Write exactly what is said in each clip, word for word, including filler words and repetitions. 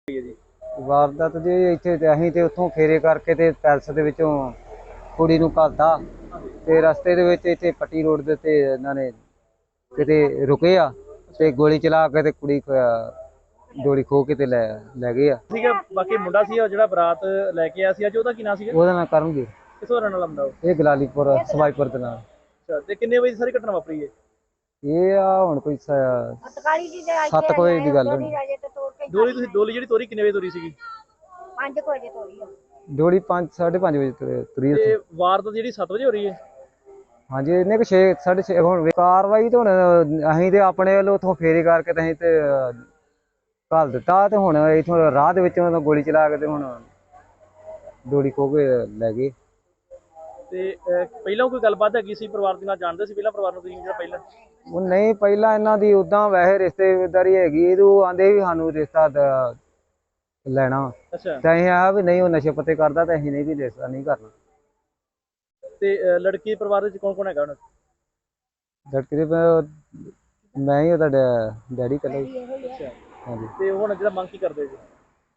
ਹੈ ਜੀ। ਵਾਰਦਾਤ ਜੀ ਇੱਥੇ ਤੇ ਅਸੀਂ ਤੇ ਉੱਥੋਂ ਫੇਰੇ ਕਰਕੇ ਤੇ ਪੈਲਸ ਦੇ ਵਿੱਚੋਂ ਕੁੜੀ ਨੂੰ ਘੱਲਤਾ ਤੇ ਰਸਤੇ ਦੇ ਵਿੱਚ ਇੱਥੇ ਪੱਟੀ ਰੋਡ ਦੇ ਉੱਤੇ ਇਹਨਾਂ ਨੇ ਕਿਤੇ ਰੁਕੇ ਆ ਤੇ ਗੋਲੀ ਚਲਾ ਕੇ ਤੇ ਕੁੜੀ ਡੋਲੀ ਖੋ ਕੇ ਤੇ ਲੈ ਲੈ ਗਏ ਆ। ਸੀਗਾ ਬਾਕੀ ਮੁੰਡਾ ਸੀ ਜਿਹੜਾ ਬਰਾਤ ਲੈ ਕੇ ਆਇਆ ਸੀ ਅੱਜ, ਉਹਦਾ ਕੀ ਨਾਂ ਸੀਗਾ? ਉਹਦਾ ਨਾਂ ਕਰਨਗੇ। ਕਿੱਥੋਂ ਰਹਿਣ ਵਾਲਾ ਮੁੰਡਾ ਉਹ? ਇਹ ਗਲਾਲੀਪੁਰ ਸਵਾਈਪੁਰ ਦੇ ਨਾਲ। ਅੱਛਾ, ਤੇ ਕਿੰਨੇ ਵਜੇ ਸਾਰੀ ਘਟਨਾ ਵਾਪਰੀ ਹੈ? ਇਹ ਆ ਹੁਣ ਕੋਈ ਸੱਤ ਕੁ ਵਜੇ ਦੀ ਗੱਲ ਹੋਣੀ। ਡੋਲੀ ਤੁਸੀਂ ਡੋਲੀ ਜਿਹੜੀ ਤੋਰੀ ਕਿੰਨੇ ਵਜੇ ਤੋਰੀ ਸੀਗੀ? ਪੰਜ ਵਜੇ ਤੋਰੀ ਆ ਡੋਲੀ ਪੰਜ ਸਾਢੇ ਪੰਜ ਵਜੇ ਤੁਰੀ। ਤੇ ਵਾਰਦਾਤ ਜਿਹੜੀ ਸੱਤ ਵਜੇ ਹੋ ਰਹੀ ਹੈ? ਹਾਂਜੀ, ਇਹਨੇ ਕਿ ਛੇ ਸਾਢੇ ਛੇ ਹੁਣ ਕਾਰਵਾਈ ਤਾਂ ਹੁਣ ਅਸੀਂ ਤੇ ਆਪਣੇ ਵੱਲੋਂ ਉੱਥੋਂ ਫੇਰੀ ਕਰਕੇ ਤੇ ਅਸੀਂ ਤੇ ਘੱਲ ਦਿੱਤਾ ਤੇ ਹੁਣ ਇੱਥੋਂ ਰਾਹ ਦੇ ਵਿੱਚ ਉਹਨਾਂ ਗੋਲੀ ਚਲਾ ਕੇ ਤੇ ਹੁਣ ਡੋਲੀ ਖੋ ਕੇ ਲੈ ਗਏ। ਤੇ ਪਹਿਲਾਂ ਕੋਈ ਗੱਲਬਾਤ ਹੈਗੀ ਸੀ ਪਰਿਵਾਰ ਦੇ ਨਾਲ? ਜਾਣਦੇ ਸੀ ਪਹਿਲਾਂ ਪਰਿਵਾਰ ਨੂੰ ਤੁਸੀਂ ਜਿਹੜਾ ਪਹਿਲਾਂ? ਉਹ ਨਹੀਂ, ਪਹਿਲਾਂ ਇਹਨਾਂ ਦੀ ਉਦਾਂ ਵੈਸੇ ਰਿਸ਼ਤੇਦਾਰੀ ਹੈਗੀ, ਇਹ ਉਹ ਆਂਦੇ ਵੀ ਸਾਨੂੰ ਰਿਸ਼ਤਾ ਲੈਣਾ। ਅੱਛਾ, ਤੇ ਅਸੀਂ ਆ ਵੀ ਨਹੀਂ ਉਹ ਨਸ਼ੇ ਪੱਤੇ ਕਰਦਾ ਤੇ ਅਸੀਂ ਨਹੀਂ ਵੀ ਰਿਸ਼ਤਾ ਨਹੀਂ ਕਰਨਾ। ਤੇ ਲੜਕੀ ਪਰਿਵਾਰ ਵਿੱਚ ਕੌਣ ਕੌਣ ਹੈਗਾ ਹੁਣ? ਲੜਕੀ ਦੇ ਮੈਂ ਹੀ ਉਹਦਾ ਡੈਡੀ ਇਕੱਲਾ ਹੀ। ਅੱਛਾ, ਹਾਂਜੀ। ਤੇ ਹੁਣ ਜਿਹੜਾ ਮੰਗ ਕੀ ਕਰਦੇ ਜੀ?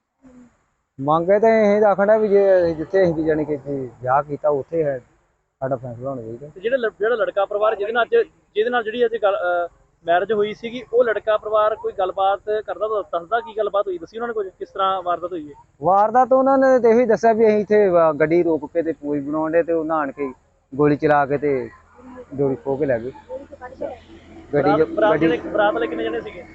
ਮੰਗੇ ਤਾਂ ਇਹ ਆਖਣਾ ਵੀ ਜੇ ਜਿੱਥੇ ਅਸੀਂ ਜਾਣੀ ਕਿ ਵਿਆਹ ਕੀਤਾ ਉੱਥੇ ਹੈ ਸਾਡਾ ਫੈਸਲਾ ਹੋਣਾ ਚਾਹੀਦਾ। ਤੇ ਜਿਹੜਾ ਜਿਹੜਾ ਲੜਕਾ ਪਰਿਵਾਰ ਜਿਹਦੇ ਨਾਲ ਅੱਜ ਜਿਹਦੇ ਨਾਲ ਜਿਹੜੀ ਅੱਜ ਗੱਲ ਮੈਰਿਜ ਹੋਈ ਸੀਗੀ, ਉਹ ਲੜਕਾ ਪਰਿਵਾਰ ਕੋਈ ਗੱਲਬਾਤ ਕਰਦਾ ਤਾਂ ਦੱਸਦਾ ਕੀ ਗੱਲਬਾਤ ਹੋਈ? ਦੱਸੀ ਉਹਨਾਂ ਨੇ ਕੁਝ, ਕਿਸ ਤਰ੍ਹਾਂ ਵਾਰਦਾਤ ਹੋਈ ਹੈ? ਵਾਰਦਾਤ ਉਹਨਾਂ ਨੇ ਤੇ ਇਹੀ ਦੱਸਿਆ ਵੀ ਅਸੀਂ ਇੱਥੇ ਗੱਡੀ ਰੋਕ ਕੇ ਤੇ ਪੂਜ ਬਣਾਉਣ ਦੇ ਤੇ ਉਹ ਨਹਾਣ ਕੇ ਗੋਲੀ ਚਲਾ ਕੇ ਤੇ ਡੋਰੀ ਖੋ ਕੇ ਲੈ ਗਏ ਗੱਡੀ। ਬਰਾਤ ਬਰਾਤ ਵਾਲੇ ਕਿੰਨੇ ਜਣੇ ਸੀਗੇ?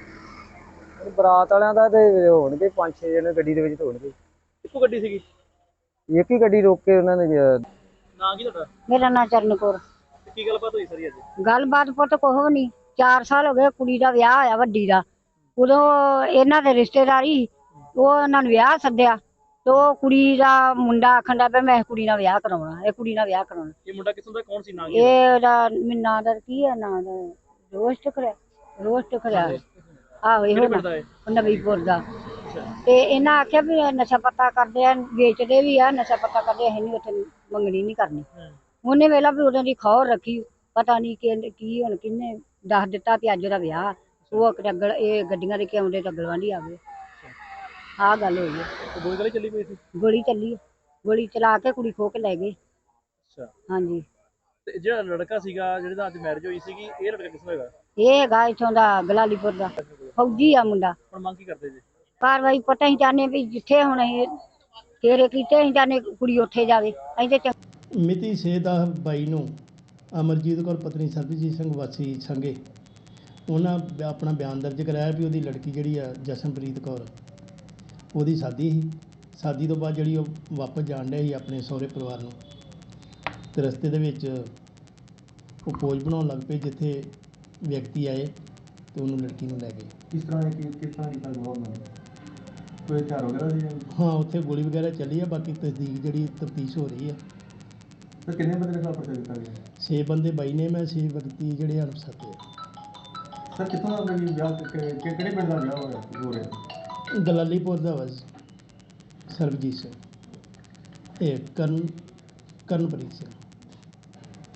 ਬਰਾਤ ਵਾਲਿਆਂ ਦਾ ਤੇ ਹੋਣਗੇ ਪੰਜ ਛੇ ਜਣੇ ਗੱਡੀ ਦੇ ਵਿੱਚ ਹੋਣਗੇ। ਇੱਕੋ ਗੱਡੀ ਸੀਗੀ? ਇੱਕ ਹੀ ਗੱਡੀ ਰੋਕ ਕੇ ਉਹਨਾਂ ਨੇ। ਨਾਂ ਕੀ ਤੁਹਾਡਾ? ਮੇਰਾ ਨਾਂ ਚਰਨਕੌਰ। ਕੀ ਗੱਲਬਾਤ ਹੋਈ ਸਾਰੀ ਅੱਜ? ਗੱਲਬਾਤ ਪੁੱਤ ਕੁਛ ਵੀ ਨਹੀਂ। ਚਾਰ ਸਾਲ ਹੋ ਗਏ ਕੁੜੀ ਦਾ ਵਿਆਹ ਹੋਇਆ ਵੱਡੀ ਦਾ। ਉਦੋਂ ਇਹਨਾਂ ਦੇ ਰਿਸ਼ਤੇਦਾਰੀ ਉਹ ਇਹਨਾਂ ਨੂੰ ਵਿਆਹ ਸੱਦਿਆ ਤੇ ਉਹ ਕੁੜੀ ਦਾ ਮੁੰਡਾ ਆਖਣ ਦਾ ਪਿਆ ਮੈਂ ਕੁੜੀ ਨਾਲ ਵਿਆਹ ਕਰਾਉਣਾ, ਇਹ ਕੁੜੀ ਨਾਲ ਵਿਆਹ ਕਰਾਉਣਾ। ਇਹ ਮੁੰਡਾ ਕਿਸਮ ਦਾ ਕੌਣ ਸੀ? ਨਾਂ ਕੀ? ਇਹ ਉਹਦਾ ਨਾਂ ਦਾ ਕੀ ਹੈ, ਨਾਂ ਦਾ ਰੋਸਟ ਖਰਿਆ ਰੋਸਟ ਖਰਿਆ ਆਹੋ ਇਹੋ ਨਵੀਂਪੁਰ ਦਾ। ਤੇ ਇਹਨਾਂ ਆਖਿਆ ਵੀ ਨਸ਼ਾ ਪੱਤਾ ਕਰਦੇ ਆ, ਵੇਚਦੇ ਵੀ ਆ, ਨਸ਼ਾ ਪੱਤਾ ਕਰਦੇ ਅਸੀਂ ਨਹੀਂ ਉੱਥੇ ਮੰਗਣੀ ਨਹੀਂ ਕਰਨੀ। ਉਹਨੇ ਵੇਲਾ ਵੀ ਉਦੋਂ ਦੀ ਖੌਰ ਰੱਖੀ, ਪਤਾ ਨਹੀਂ ਕਿ ਕੀ ਹੁਣ ਕਿੰਨੇ ਦੱਸ ਦਿੱਤਾ ਵੀ ਅੱਜ ਦਾ ਵਿਆਹ। ਉਹ ਅਗਲ ਇਹ ਗੱਡੀਆਂ ਦੇ ਕੇ ਆਉਂਦੇ ਤਾਂ ਗਲਵਾਂਢੀ ਆ ਗਏ। ਆਹ ਗੱਲ ਹੋਈ ਹੈ। ਗੋਲੀ ਗਲੀ ਚੱਲੀ ਪਈ ਸੀ? ਗੋਲੀ ਚੱਲੀ, ਗੋਲੀ ਚਲਾ ਕੇ ਕੁੜੀ ਖੋ ਕੇ ਲੈ ਗਏ। ਅੱਛਾ, ਹਾਂਜੀ। ਤੇ ਜਿਹੜਾ ਲੜਕਾ ਸੀਗਾ ਜਿਹਦੇ ਨਾਲ ਅੱਜ ਮੈਰਿਜ ਹੋਈ ਸੀਗੀ, ਇਹ ਲੜਕਾ ਕਿਸ ਦਾ ਹੈਗਾ? ਇਹ ਹੈਗਾ ਇੱਥੋਂ ਦਾ ਗਲਾਲੀਪੁਰ ਦਾ, ਫੌਜੀ ਆ ਮੁੰਡਾ। ਹੁਣ ਮੰਗ ਕੀ ਕਰਦੇ ਜੀ? ਕਾਰਵਾਈ ਪਤਾ ਹੀ ਚਾਹੁੰਦੇ ਵੀ ਜਿੱਥੇ ਹੁਣ ਇਹ ਫੇਰੇ ਕੀਤੇ ਅਸੀਂ ਚਾਹੁੰਦੇ ਕੁੜੀ ਉੱਥੇ ਜਾਵੇ। ਅਸੀਂ ਤੇ ਮਿਤੀ ਛੇ ਦਸ ਬਾਈ ਨੂੰ ਅਮਰਜੀਤ ਕੌਰ ਪਤਨੀ ਸਰਬਜੀਤ ਸਿੰਘ ਵਾਸੀ ਸੰਘੇ ਉਹਨਾਂ ਆਪਣਾ ਬਿਆਨ ਦਰਜ ਕਰਾਇਆ ਵੀ ਉਹਦੀ ਲੜਕੀ ਜਿਹੜੀ ਆ ਜਸ਼ਨਪ੍ਰੀਤ ਕੌਰ ਉਹਦੀ ਸ਼ਾਦੀ ਸੀ। ਸ਼ਾਦੀ ਤੋਂ ਬਾਅਦ ਜਿਹੜੀ ਉਹ ਵਾਪਸ ਜਾਣ ਡਿਆ ਸੀ ਆਪਣੇ ਸਹੁਰੇ ਪਰਿਵਾਰ ਨੂੰ, ਤੇ ਰਸਤੇ ਦੇ ਵਿੱਚ ਉਹ ਪੋਜ ਬਣਾਉਣ ਲੱਗ ਪਏ ਜਿੱਥੇ ਵਿਅਕਤੀ ਆਏ ਤੇ ਉਹਨੂੰ ਲੜਕੀ ਨੂੰ ਲੈ ਗਏ। ਕਿਸ ਤਰ੍ਹਾਂ ਦੀ ਕਿਸ ਤਰ੍ਹਾਂ ਦੀ ਗੱਲ ਹੋਣਾ? ਕੋਈ ਹਥਿਆਰ ਵਗੈਰਾ ਸੀ? ਹਾਂ, ਉੱਥੇ ਗੋਲੀ ਵਗੈਰਾ ਚੱਲੀ ਆ। ਬਾਕੀ ਤਸਦੀਕ ਜਿਹੜੀ ਤਫਤੀਸ਼ ਹੋ ਰਹੀ ਆ। ਤੇ ਕਿੰਨੇ ਬੰਦੇ ਦੇ ਖਿਲਾਫ ਪਰਚਾ ਦਿੱਤਾ ਗਿਆ? ਛੇ ਬੰਦੇ ਬਾਈ ਨੇ, ਮੈਂ ਛੇ ਵਿਅਕਤੀ ਜਿਹੜੇ ਅਣਪਛਾਤੇ ਆ। ਸਰ ਕਿੱਥੋਂ ਦਾ ਵਿਆਹ, ਕਿਹੜੇ ਪਿੰਡ ਦਾ ਵਿਆਹ ਹੋਇਆ ਹੋ ਰਿਹਾ? ਗਲਾਲੀਪੁਰ ਦਾ ਵਾ ਸਰਬਜੀਤ ਸਿੰਘ, ਇਹ ਕਰਨ ਕਰਨਪ੍ਰੀਤ ਸਿੰਘ।